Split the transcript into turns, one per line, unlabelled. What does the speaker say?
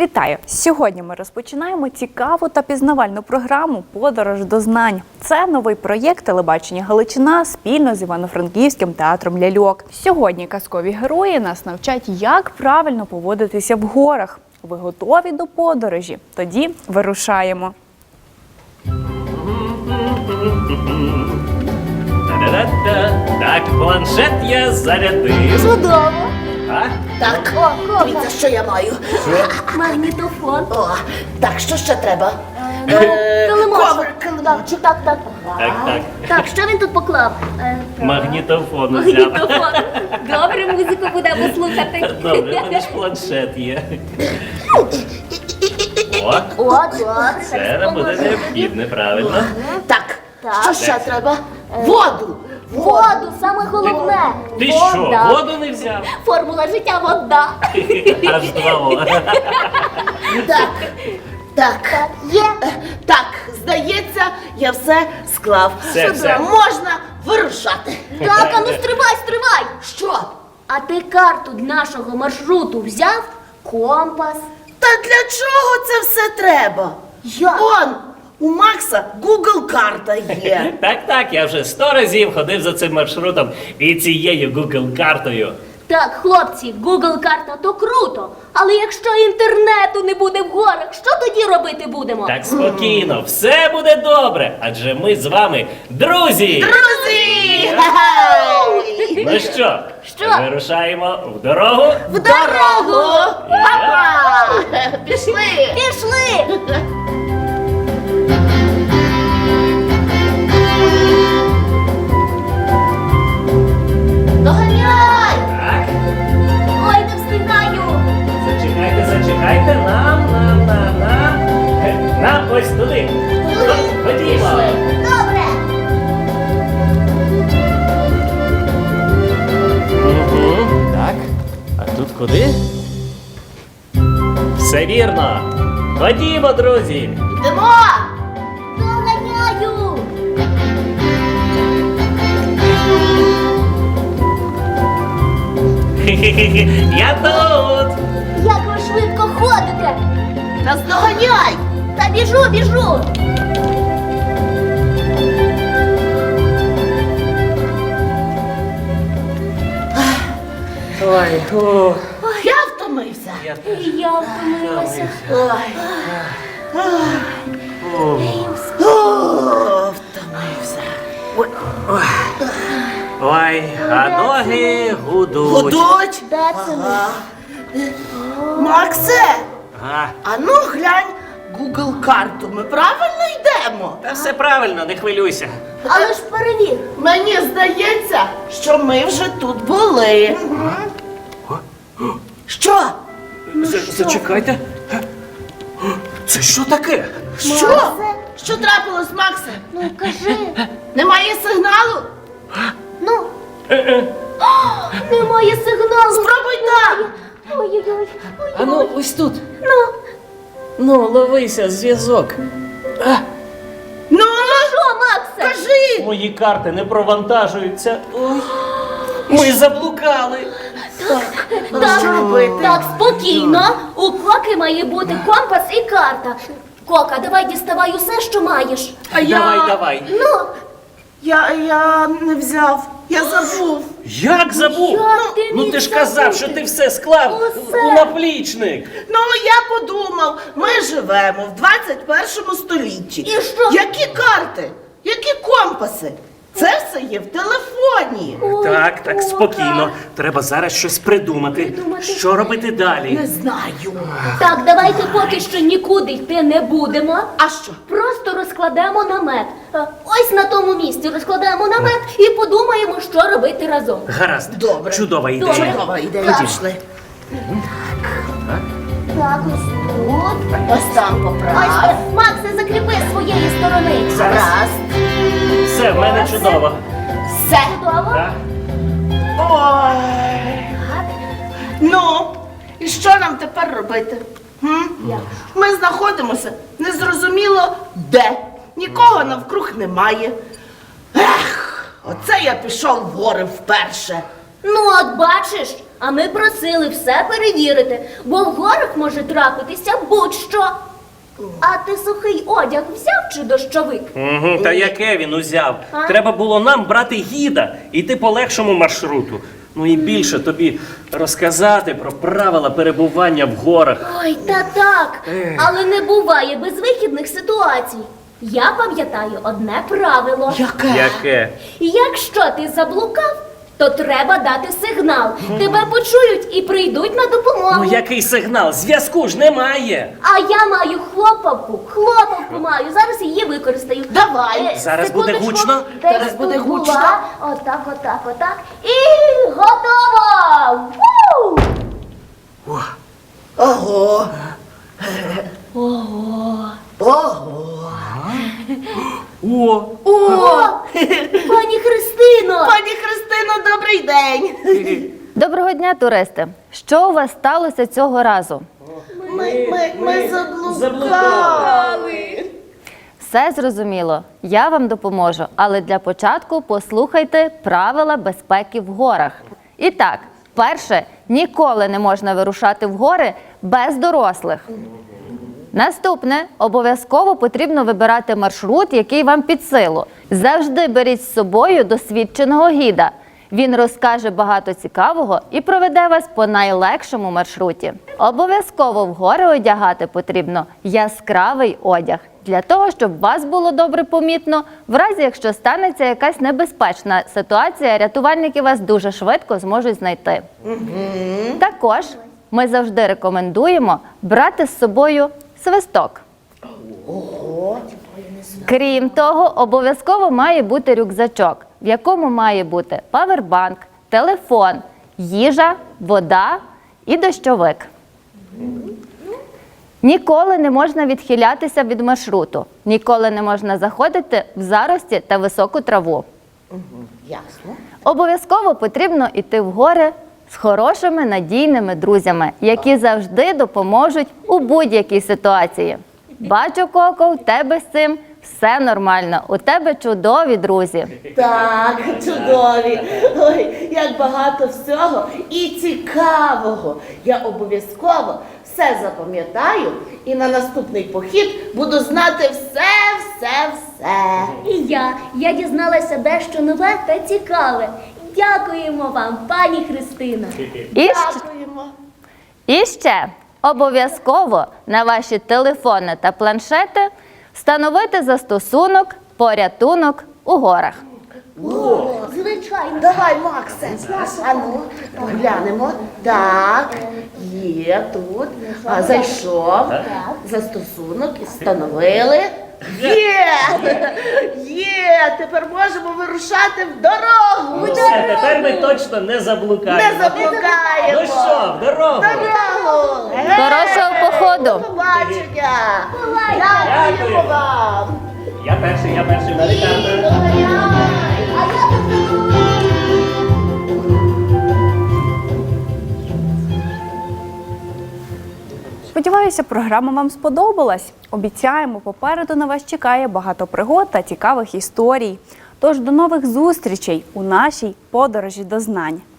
Вітаю! Сьогодні ми розпочинаємо цікаву та пізнавальну програму «Подорож до знань». Це новий проєкт телебачення «Галичина» спільно з Івано-Франківським театром ляльок. Сьогодні казкові герої нас навчать, як правильно поводитися в горах. Ви готові до подорожі? Тоді вирушаємо.
Так, планшет я зарядив.
Чудово!
А?
Так, дивіться, що я маю.
Магнітофон.
О, так, що ще треба?
Килимочок.
Килимочок.
Так.
Так.
Так, що він тут поклав?
Магнітофон взяв.
Магнітофон. Добре, музику будемо слухати.
Добре, в мене ж планшет є. О,
О, добре.
це буде необхідне, правильно?
Так,
Так.
що ще треба? Воду.
Воду, саме головне.
Ти
Вода.
що, воду не взяв?
Формула життя – вода.
Аж два О.
Так.
Є.
Так, здається, я все склав.
Все.
Можна вирушати.
Так, а ну стривай.
Що?
А ти карту нашого маршруту взяв? Компас.
Та для чого це все треба?
Як?
Он, у Макса Google карта є.
Так, я вже 100 разів ходив за цим маршрутом і цією Google-картою.
Так, хлопці, Google карта то круто, але якщо інтернету не буде в горах, що тоді робити будемо?
Так спокійно, все буде добре, адже ми з вами друзі!
Друзі!
Ну що,
Що?
вирушаємо в дорогу?
В дорогу! Папа! Пішли!
Пішли!
Доганяй!
Так,
Ой, не встигаю!
зачекайте, нам ось туди. Ходімо.
Добре!
Так, а тут куди? Все вірно. Ходімо, друзі.
Йдемо!
Доганяю!
Я тут.
Як ви швидко ходите!
Нас доганяй!
Та біжу!
Ой,
Я втомився.
І я втомилася.
Ой. Втомився.
Ой, а ноги гудуть.
Гудуть?
Де це ми?
Максе,
Ага.
а ну глянь Google карту. Ми правильно йдемо?
Та все правильно, не хвилюйся.
Але ж перевір.
Мені здається, що ми вже тут були. Що?
Зачекайте. Це що таке?
Що? Що трапилось, Максе?
Ну, кажи.
Немає сигналу?
Ну. О, немає сигналу.
Спробуй там.
Ой-ой-ой.
А ну, ось тут.
Ну,
Ну, ловися, зв'язок.
Ну,
що, Максе?
кажи.
Мої карти не провантажуються. Ой. Ми заблукали.
Що робити?
Так, спокійно. У Коки має бути компас і карта. Кока, давай діставай усе, що маєш.
А
Давай.
Ну,
Я не взяв. Я забув.
Як забув?
Як ти
Ну
міг
ти ж казав,
забути?
що ти все склав
Усе.
у наплічник.
Ну, я подумав, ми живемо в 21 столітті.
І що?
Які карти? Які компаси? Це все є в телефоні.
ой,
Так,
Кока.
спокійно. Треба зараз щось придумати. Що робити далі?
Не знаю.
Так, давайте поки що нікуди йти не будемо.
А що?
Просто розкладемо намет. Ось на тому місці розкладемо намет і подумаємо, що робити разом.
Гаразд.
Добре.
Чудова ідея.
Добре.
Чудова ідея.
Так.
Пішли.
Так, ось тут.
Ось там поправ.
Ось, Максе, закріпи з своєї сторони.
Гаразд.
Все, в мене чудово.
Все.
Готово?
Так.
Ой.
Так.
Ну, і що нам тепер робити? Ми знаходимося незрозуміло де. Нікого навкруг немає. Ех, оце я пішов в гори вперше.
Ну, от бачиш, а ми просили все перевірити, бо в горах може трапитися будь-що. А ти сухий одяг взяв чи дощовик?
Та яке він узяв?
А?
Треба було нам брати гіда, йти по легшому маршруту. Ну і більше тобі розказати про правила перебування в горах.
Ой, та так, але не буває безвихідних ситуацій. Я пам'ятаю одне правило.
Яке?
Якщо ти заблукав, то треба дати сигнал. Тебе почують і прийдуть на допомогу.
Ну який сигнал? Зв'язку ж немає.
А я маю хлопавку маю. Зараз її використаю.
Давай.
Зараз буде
секундочку.
гучно?
Десь
Зараз буде
тут була.
гучно.
Отак. І готово! Ву!
Ого.
О,
О, пані Христино!
Пані Христино, добрий день.
Доброго дня, туристи! Що у вас сталося цього разу?
Ми заблукали.
Все зрозуміло, я вам допоможу, але для початку послухайте правила безпеки в горах. І так, перше, ніколи не можна вирушати в гори без дорослих. Наступне, обов'язково потрібно вибирати маршрут, який вам під силу. Завжди беріть з собою досвідченого гіда. Він розкаже багато цікавого і проведе вас по найлегшому маршруті. Обов'язково в гори одягати потрібно яскравий одяг, для того, щоб вас було добре помітно. В разі, якщо станеться якась небезпечна ситуація, рятувальники вас дуже швидко зможуть знайти. Також ми завжди рекомендуємо брати з собою свисток. Крім того, обов'язково має бути рюкзачок, в якому має бути павербанк, телефон, їжа, вода і дощовик. Ніколи не можна відхилятися від маршруту, ніколи не можна заходити в зарості та високу траву.
Ясно.
Обов'язково потрібно йти в гори з хорошими надійними друзями, які завжди допоможуть у будь-якій ситуації. Бачу, Коко, в тебе з цим все нормально. У тебе чудові друзі.
Так, чудові. Ой, як багато всього і цікавого. Я обов'язково все запам'ятаю і на наступний похід буду знати все.
І я дізналася дещо нове та цікаве. Дякуємо вам, пані Христино.
Дякуємо.
І ще обов'язково на ваші телефони та планшети встановити застосунок «Порятунок у горах».
Звичайно.
Давай, Максе. А ну, поглянемо. Так, є тут. А, зайшов. Застосунок і встановили. Є! Тепер можемо вирушати в дорогу.
ну все, тепер ми точно не заблукаємо.
Не заблукаємо.
Ну що, в дорогу?
Дорогу!
Хорошого походу!
До побачення! Дякуємо вам!
Я перший, навігатор.
Сподіваюся, програма вам сподобалась. Обіцяємо, попереду на вас чекає багато пригод та цікавих історій. Тож до нових зустрічей у нашій подорожі до знань.